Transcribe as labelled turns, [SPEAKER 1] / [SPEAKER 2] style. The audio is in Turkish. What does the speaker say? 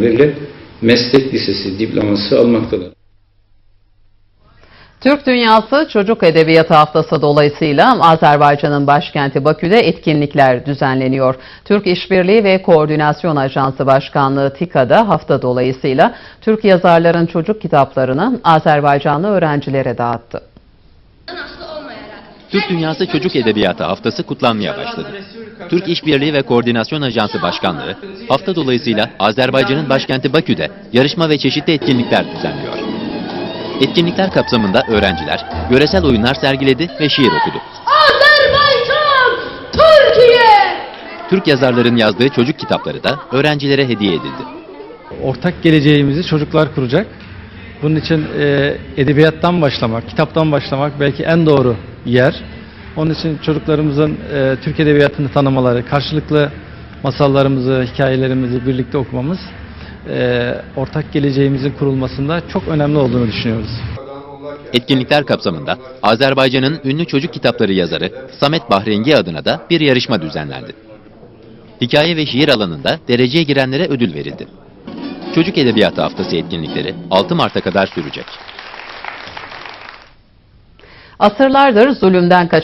[SPEAKER 1] öğretmenleriyle meslek lisesi diploması almaktadır.
[SPEAKER 2] Türk Dünyası Çocuk Edebiyatı Haftası dolayısıyla Azerbaycan'ın başkenti Bakü'de etkinlikler düzenleniyor. Türk İşbirliği ve Koordinasyon Ajansı Başkanlığı TİKA'da hafta dolayısıyla Türk yazarların çocuk kitaplarını Azerbaycanlı öğrencilere dağıttı.
[SPEAKER 3] Türk Dünyası Çocuk Edebiyatı Haftası kutlanmaya başladı. Türk İşbirliği ve Koordinasyon Ajansı Başkanlığı hafta dolayısıyla Azerbaycan'ın başkenti Bakü'de yarışma ve çeşitli etkinlikler düzenliyor. Etkinlikler kapsamında öğrenciler yöresel oyunlar sergiledi ve şiir okudu.
[SPEAKER 4] Azerbaycan, Türkiye!
[SPEAKER 3] Türk yazarların yazdığı çocuk kitapları da öğrencilere hediye edildi.
[SPEAKER 5] Ortak geleceğimizi çocuklar kuracak. Bunun için edebiyattan başlamak, kitaptan başlamak belki en doğru yer. Onun için çocuklarımızın Türk edebiyatını tanımaları, karşılıklı masallarımızı, hikayelerimizi birlikte okumamız ortak geleceğimizin kurulmasında çok önemli olduğunu düşünüyoruz.
[SPEAKER 3] Etkinlikler kapsamında Azerbaycan'ın ünlü çocuk kitapları yazarı Samet Bahrengi adına da bir yarışma düzenlendi. Hikaye ve şiir alanında dereceye girenlere ödül verildi. Çocuk Edebiyatı Haftası etkinlikleri 6 Mart'a kadar sürecek.
[SPEAKER 2] Asırlardır zulümden